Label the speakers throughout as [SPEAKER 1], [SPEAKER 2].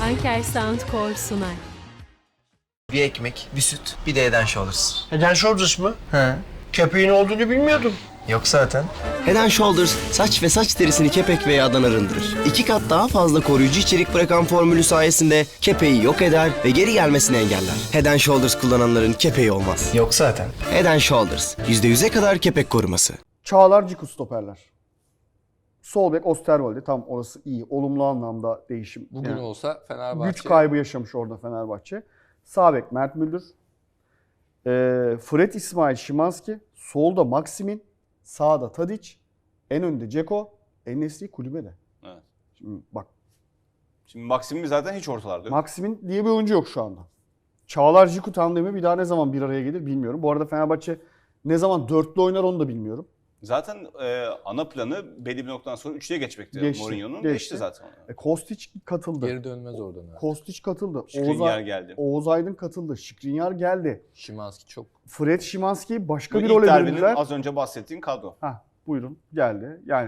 [SPEAKER 1] Anker Soundcore sunar.
[SPEAKER 2] Bir ekmek, bir süt, bir de Head and Shoulders.
[SPEAKER 3] Head and Shoulders mı?
[SPEAKER 2] He.
[SPEAKER 3] Köpeğin olduğunu bilmiyordum.
[SPEAKER 2] Yok zaten.
[SPEAKER 4] Head and Shoulders saç ve saç derisini kepek ve yağdan arındırır. 2 kat daha fazla koruyucu içerik bırakan formülü sayesinde kepeği yok eder ve geri gelmesini engeller. Head and Shoulders kullananların kepeği olmaz.
[SPEAKER 2] Yok zaten.
[SPEAKER 4] Head and Shoulders %100'e kadar kepek koruması.
[SPEAKER 5] Çağlar Ciku stoperler. Sol bek Osterwolde, tam orası iyi. Olumlu anlamda değişim.
[SPEAKER 6] Bugün
[SPEAKER 5] Yani
[SPEAKER 6] olsa Fenerbahçe...
[SPEAKER 5] güç kaybı yaşamış orada Fenerbahçe. Sağ bek Mert Müldür. Fred İsmail Szymanski. Solda Maksimin. Sağda Tadic. En önde Dzeko. En-Nesyri kulübede.
[SPEAKER 7] Evet.
[SPEAKER 5] Şimdi bak.
[SPEAKER 7] Şimdi Maksim'i zaten hiç ortalarda yok.
[SPEAKER 5] Maksimin diye bir oyuncu yok şu anda. Çağlar Ciku tandemi bir daha ne zaman bir araya gelir bilmiyorum. Bu arada Fenerbahçe ne zaman dörtlü oynar onu da bilmiyorum.
[SPEAKER 7] Zaten ana planı belli bir noktadan sonra üçlüye geçmekti.
[SPEAKER 5] Geçti,
[SPEAKER 7] Mourinho'nun
[SPEAKER 5] geçti.
[SPEAKER 7] geçti zaten.
[SPEAKER 5] Kostić katıldı.
[SPEAKER 6] Geri dönmez oradan. Ha.
[SPEAKER 5] Kostić katıldı.
[SPEAKER 7] Skriniar geldi.
[SPEAKER 5] Oğuz Aydın katıldı. Skriniar geldi.
[SPEAKER 6] Szymanski çok...
[SPEAKER 5] Fred Szymanski'yi başka
[SPEAKER 7] Bu
[SPEAKER 5] bir
[SPEAKER 7] ilk
[SPEAKER 5] role
[SPEAKER 7] derbinin
[SPEAKER 5] büründüler.
[SPEAKER 7] az önce bahsettiğin kadro.
[SPEAKER 5] Buyurun geldi. Yani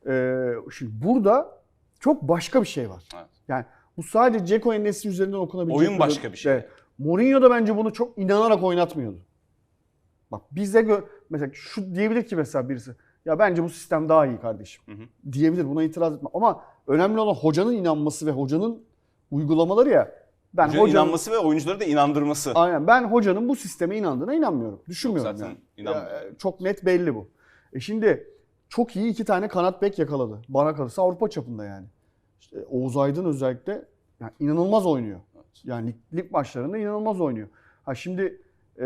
[SPEAKER 5] şimdi burada çok başka bir şey var.
[SPEAKER 7] Evet.
[SPEAKER 5] Yani bu sadece Dzeko En-Nesyri üzerinden okunabilecek
[SPEAKER 7] Oyun başka bir şey.
[SPEAKER 5] Evet. Mourinho da bence bunu çok inanarak oynatmıyordu. Bak bize mesela şu diyebilir ki mesela birisi, ya bence bu sistem daha iyi kardeşim. Diyebilir, buna itiraz etme. Ama önemli olan hocanın inanması ve hocanın uygulamaları ya. Ben
[SPEAKER 7] Hocanın inanması ve oyuncuları da inandırması.
[SPEAKER 5] Aynen, ben hocanın bu sisteme inandığına inanmıyorum. Düşünmüyorum
[SPEAKER 7] Zaten
[SPEAKER 5] yani.
[SPEAKER 7] inanmıyorum.
[SPEAKER 5] Çok net belli bu. Şimdi çok iyi 2 tane kanat bek yakaladı. Bana kalırsa Avrupa çapında yani. İşte Oğuz Aydın özellikle yani inanılmaz oynuyor.
[SPEAKER 7] Evet.
[SPEAKER 5] Yani lig maçlarında inanılmaz oynuyor. Şimdi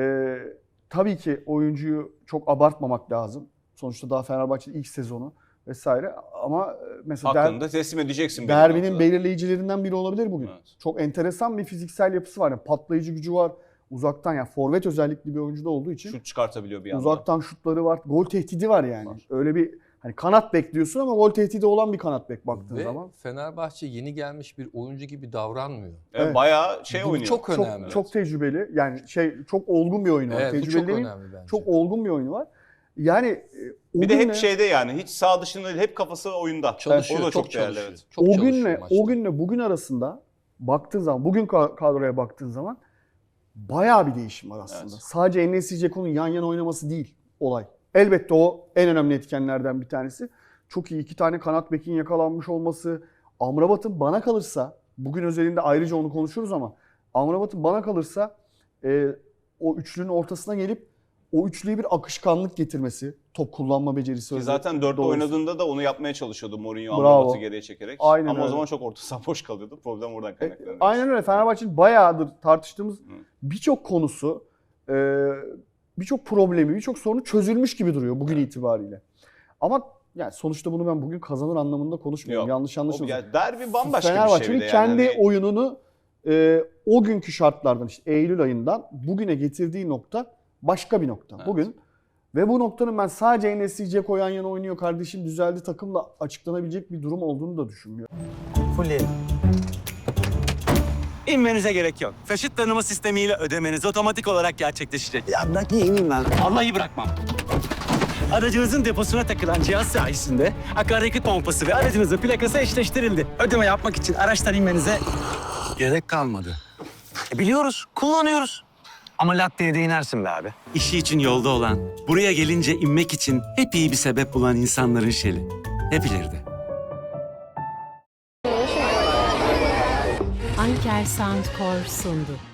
[SPEAKER 5] tabii ki oyuncuyu çok abartmamak lazım. Sonuçta daha Fenerbahçe'nin ilk sezonu vesaire. Ama mesela
[SPEAKER 7] Hakkında teslim edeceksin.
[SPEAKER 5] derbinin belirleyicilerinden biri olabilir bugün.
[SPEAKER 7] Evet.
[SPEAKER 5] Çok enteresan bir fiziksel yapısı var. Yani patlayıcı gücü var. Uzaktan, yani forvet özellikli bir oyuncu da olduğu için
[SPEAKER 7] Şut çıkartabiliyor bir anda.
[SPEAKER 5] uzaktan şutları var. Gol tehdidi var yani.
[SPEAKER 7] Var.
[SPEAKER 5] Öyle bir hani kanat bekliyorsun ama gol tehdidi olan bir kanat bek baktığın
[SPEAKER 6] Ve
[SPEAKER 5] zaman.
[SPEAKER 6] Fenerbahçe yeni gelmiş bir oyuncu gibi davranmıyor.
[SPEAKER 5] Evet.
[SPEAKER 7] Bayağı
[SPEAKER 6] Bu
[SPEAKER 7] oynuyor.
[SPEAKER 6] çok önemli.
[SPEAKER 5] Çok tecrübeli. Yani çok olgun bir oyunu var.
[SPEAKER 6] Evet, bu
[SPEAKER 5] Tecrübeli
[SPEAKER 6] çok
[SPEAKER 5] demeyeyim,
[SPEAKER 6] önemli bence.
[SPEAKER 5] çok olgun bir oyunu var. Yani
[SPEAKER 7] Bir de hep şeyde yani hiç sağ dışında değil, hep kafası oyunda.
[SPEAKER 6] Çalışıyor,
[SPEAKER 7] O da
[SPEAKER 6] çok
[SPEAKER 7] çok değerli.
[SPEAKER 6] çalışıyor.
[SPEAKER 7] Evet.
[SPEAKER 6] Çok
[SPEAKER 5] o
[SPEAKER 6] çalışıyor
[SPEAKER 5] günle
[SPEAKER 6] maçta.
[SPEAKER 5] o günle bugün arasında baktığın zaman, bugün kadroya baktığın zaman bayağı bir değişim var aslında.
[SPEAKER 7] Evet.
[SPEAKER 5] Sadece En-Nesyri Dzeko'nun yan yana oynaması değil olay. Elbette o en önemli etkenlerden bir tanesi. Çok iyi 2 tane kanat bekin yakalanmış olması. Amrabat'ın bana kalırsa, bugün özelinde ayrıca onu konuşuruz ama Amrabat'ın bana kalırsa o üçlünün ortasına gelip o üçlüye bir akışkanlık getirmesi, top kullanma becerisi.
[SPEAKER 7] Ki zaten dörtte
[SPEAKER 5] doğrusu.
[SPEAKER 7] oynadığında da onu yapmaya çalışıyordu Mourinho,
[SPEAKER 5] Bravo.
[SPEAKER 7] Amrabat'ı geriye çekerek.
[SPEAKER 5] Aynen
[SPEAKER 7] Ama o
[SPEAKER 5] öyle.
[SPEAKER 7] zaman çok orta saha boş kalıyordu. Problem oradan kaynaklanıyor.
[SPEAKER 5] Aynen öyle. Fenerbahçe'nin bayağıdır tartıştığımız birçok konusu, birçok problemi, birçok sorunu çözülmüş gibi duruyor bugün itibariyle. Ama yani sonuçta bunu ben bugün kazanır anlamında konuşmuyorum.
[SPEAKER 7] Yok.
[SPEAKER 5] Yanlış anlaşılmasın.
[SPEAKER 7] Ya derbi bambaşka bir şey
[SPEAKER 5] Fenerbahçe'nin
[SPEAKER 7] bir de yani.
[SPEAKER 5] kendi
[SPEAKER 7] Hani
[SPEAKER 5] oyununu o günkü şartlardan, işte Eylül ayından bugüne getirdiği nokta başka bir nokta.
[SPEAKER 7] Evet.
[SPEAKER 5] Bugün ve bu noktanın ben sadece En-Nesyri Dzeko yan yana oynuyor kardeşim düzeldi takımla açıklanabilecek bir durum olduğunu da düşünmüyorum.
[SPEAKER 2] Fulleyelim.
[SPEAKER 8] İnmenize gerek yok. Taşıt tanıma sistemiyle ödemeniz otomatik olarak gerçekleşecek.
[SPEAKER 3] Ya bırak niye ineyim ben?
[SPEAKER 8] Vallahi bırakmam. Aracınızın deposuna takılan cihaz sayesinde akaryakıt pompası ve aracınızın plakası eşleştirildi. Ödeme yapmak için araçtan inmenize gerek kalmadı.
[SPEAKER 3] Biliyoruz, kullanıyoruz. Ama latteye de inersin be abi.
[SPEAKER 8] İşi için yolda olan, buraya gelince inmek için hep iyi bir sebep bulan insanların şeli. Hep ileride.
[SPEAKER 1] Anker Soundcore sundu.